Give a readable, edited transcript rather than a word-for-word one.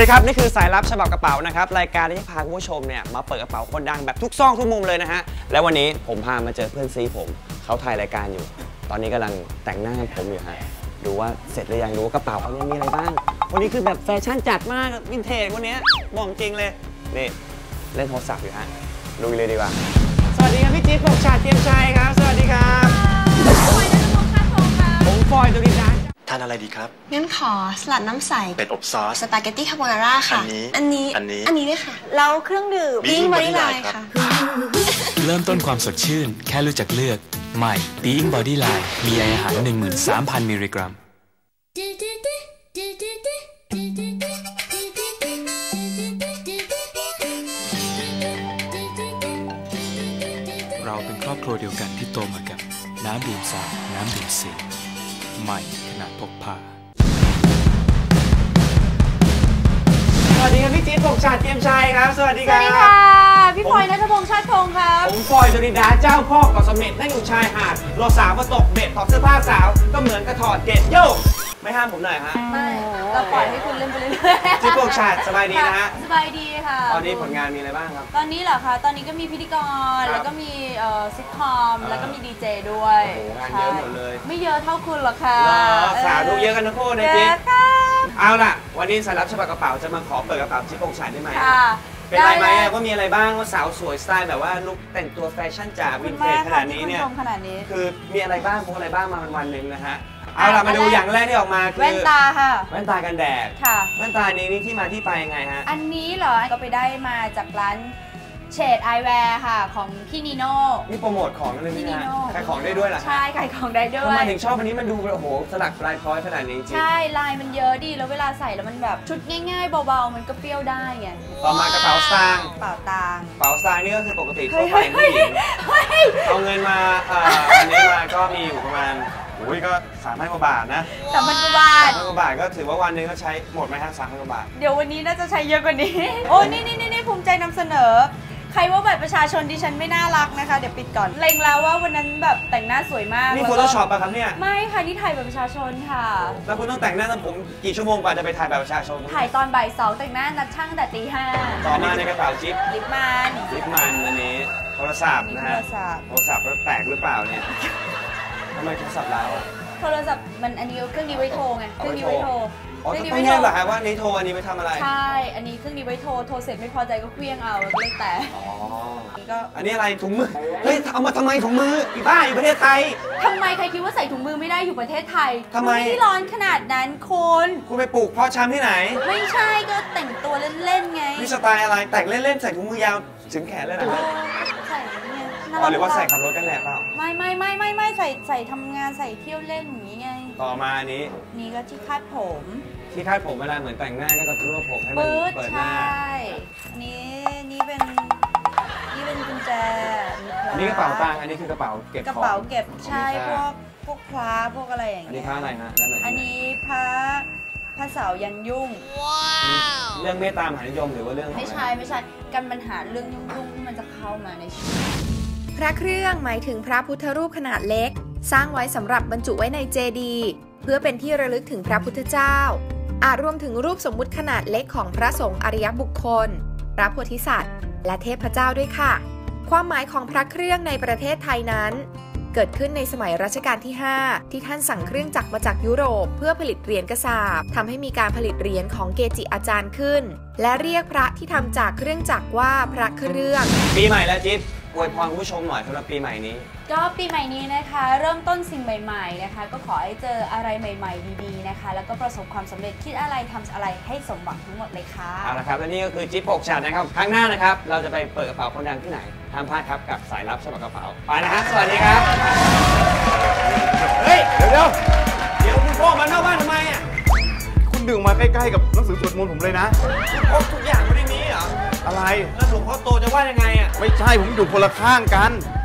ดีครับนี่คือสายลับฉบับกระเป๋านะครับรายการที่จะพาคุณผู้ชมเนี่ยมาเปิดกระเป๋าคนดังแบบทุกซอกทุกมุมเลยนะฮะและวันนี้ผมพามาเจอเพื่อนซีผมเขาถ่ายรายการอยู่ตอนนี้กำลังแต่งหน้าผมอยู่ฮะดูว่าเสร็จหรือยังดูว่ากระเป๋าเขาเนี่ยมีอะไรบ้างวันนี้คือแบบแฟชั่นจัดมากวินเทจวันนี้บอกจริงเลยนี่เล่นโทรศัพท์อยู่ฮะลุยเลยดีกว่าสวัสดีครับพี่จิ๊บปกชาติเทียมชัยครับสวัสดีครับผมฟอยตุลินดาทานอะไรดีครับงั้นขอสลัดน้ำใสเป็ดอบซอสสปาเกตตี้คาโบนาร่าค่ะอันนี้ด้วยค่ะแล้วเครื่องดื่มบิ้งบอดี้ไลน์ค่ะเริ่มต้นความสดชื่นแค่รู้จักเลือกใหม่ Being Body Line มีอาหาร 13,000 มิลลิกรัมเราเป็นครอบครัวเดียวกันที่โตมากับน้ำดื่มสาน้ำดื่มสีใหม่ขนาดพกพาสวัสดีครับพี่จิ๊บปกชาติเทียมชัยครับสวัสดีครับสวัสดีค่ะพี่พลอยณัฐพงษ์ชาติพงศ์ครับผมฟอยตุลินดาเจ้าพ่อเกาะเสม็ดนั่งอยู่ชายหาดรอสาวมาตกเบ็ดถอดเสื้อผ้าสาวก็เหมือนกระถอดเกล็ดโยกไม่ห้ามผมหน่อยฮะไม่เราปล่อยให้คุณเล่นไปเรื่อยๆจิ๊บปกชาติสบายดีนะฮะสบายดีค่ะตอนนี้ผลงานมีอะไรบ้างครับตอนนี้เหรอคะตอนนี้ก็มีพิธีกรแล้วก็มีซิทคอมแล้วก็มีดีเจด้วยงานเยอะหมดเลยไม่เยอะเท่าคุณหรอกค่ะสาวดูเยอะกันทั้งคู่นะจิ๊บเอาล่ะวันนี้สายลับฉบับกระเป๋าจะมาขอเปิดกระเป๋าจิ๊บปกชาติได้ไหมเป็นไรไหมว่ามีอะไรบ้างว่าสาวสวยสไตล์แบบว่าลุคแต่งตัวแฟชั่นจ๋าวินเทจขนาดนี้เนี่ยคือมีอะไรบ้างพวกอะไรบ้างมาวันหนึ่งนะฮะเอาล่ะมาดูอย่างแรกที่ออกมาคือแว่นตาค่ะแว่นตากันแดดค่ะแว่นตานี้นี่ที่มาที่ไปยังไงฮะอันนี้เหรอก็ไปได้มาจากร้านเชดไอแวร์ค่ะของพี่นีโน่นี่โปรโมทของเลยนะขายของได้ด้วยเหรอใช่ขายของได้ด้วยทำไมถึงชอบอันนี้มันดูโอ้โหสลักลายพร้อยขนาดนี้จริงใช่ลายมันเยอะดีแล้วเวลาใส่แล้วมันแบบชุดง่ายๆเบาๆมันก็เปรี้ยวได้ไงต่อมากระเป๋าสตางค์กระเป๋าสตางค์นี่ก็คือปกติทั่วไปผู้หญิงเอาเงินมาอันนี้มาก็มีอยู่ประมาณก็3,000 กว่าบาทนะ 3,000 กว่าบาท 3,000 กว่าบาทก็ถือว่าวันนึงก็ใช้หมดไหมฮะ3,000 กว่าบาทเดี๋ยววันนี้น่าจะใช้เยอะกว่านี้โอ้นี่ภูมิใจนำเสนอใครว่าบัตรประชาชนดิฉันไม่น่ารักนะคะเดี๋ยวปิดก่อนเล็งแล้วว่าวันนั้นแบบแต่งหน้าสวยมากนี่โฟโต้ช็อปป่ะครับเนี่ยไม่ค่ะนี่ถ่ายบัตรประชาชนค่ะแล้วคุณต้องแต่งหน้าตั้งผมกี่ชั่วโมงกว่าจะไปถ่ายบัตรประชาชนถ่ายตอนบ่าย 2แต่งหน้านัดช่างแต่ตี 5 ต่อมาในกระเป๋าจิ๊บลิปมันอันนี้โทรศัพท์นะฮะโทรศัพท์แล้วแตกหรือเปล่าเนี่ยทำไมโทรศัพท์แล้วโทรศัพท์มันอันนี้เครื่องนี้ไว้โทรไงเครื่องนี้ไว้โทรต้องแยกเหรอฮะว่านี้โทรอันนี้ไปทำอะไรใช่อันนี้เครื่องนี้ไว้โทรเสร็จไม่พอใจก็เคลี้ยงเอาแล้วก็เลยแตกอันนี้อะไรถุงมือเฮ้ยเอามาทำไมถุงมืออีบ้าอยู่ประเทศไทยทำไมใครคิดว่าใส่ถุงมือไม่ได้อยู่ประเทศไทยทำไมไม่ร้อนขนาดนั้นคุณไปปลูกเพาะชำที่ไหนไม่ใช่ก็แต่งตัวเล่นๆไงนี่สไตล์อะไรแต่งเล่นๆใส่ถุงมือยาวถึงแขนเลยนะใส่เนี่ยหรือว่าใส่ขับรถกันแหละเปล่าไม่ใส่ทำงานใส่เที่ยวเล่นอย่างนี้ไงต่อมาอันนี้นี่ก็ที่คาดผมที่คาดผมเวลาเหมือนแต่งหน้าก็จะรวบผมให้มันเปิดหน้านี่เป็นกุญแจนี่กระเป๋าตังค์อันนี้คือกระเป๋าเก็บกระเป๋าเก็บใช่พวกพระพวกอะไรอย่างเงี้ยอันนี้พระอะไรฮะอันนี้พระเสายันยุ่งเรื่องเมตตามหานิยมหรือว่าเรื่องไม่ใช่กันปัญหาเรื่องยุ่งที่มันจะเข้ามาในชีวิตพระเครื่องหมายถึงพระพุทธรูปขนาดเล็กสร้างไว้สำหรับบรรจุไว้ในเจดีย์เพื่อเป็นที่ระลึกถึงพระพุทธเจ้าอาจรวมถึงรูปสมมุติขนาดเล็กของพระสงฆ์อริยบุคคลพระโพธิสัตว์และเทพเจ้าด้วยค่ะความหมายของพระเครื่องในประเทศไทยนั้นเกิดขึ้นในสมัยรัชกาลที่ 5ที่ท่านสั่งเครื่องจักรมาจากยุโรปเพื่อผลิตเหรียญกษาปณ์ทำให้มีการผลิตเหรียญของเกจิอาจารย์ขึ้นและเรียกพระที่ทำจากเครื่องจักรว่าพระเครื่องปีใหม่แล้วจิ๊บอวยพรคุณผู้ชมหน่อยสำหรับปีใหม่นี้ก็ปีใหม่นี้นะคะเริ่มต้นสิ่งใหม่ๆนะคะก็ขอให้เจออะไรใหม่ๆดีๆนะคะแล้วก็ประสบความสำเร็จคิดอะไรทำอะไรให้สมหวังทั้งหมดเลยค่ะเอาละครับและนี่ก็คือจิ๊บปกชาตินะครับครั้งหน้านะครับเราจะไปเปิดกระเป๋าคนดังที่ไหนห้ามพลาดครับกับสายลับฉบับกระเป๋าไปนะฮะสวัสดีครับเฮ้ยเดี๋ยวคุณพ่อมานอกบ้านทำไมอ่ะคุณดึงมาใกล้ๆกับหนังสือสวดมนต์ผมเลยนะพกทุกอย่างไม่ได้มีเหรออะไรแล้วหลวงพ่อโตจะว่ายังไงอ่ะไม่ใช่ผมอยู่คนละข้างกัน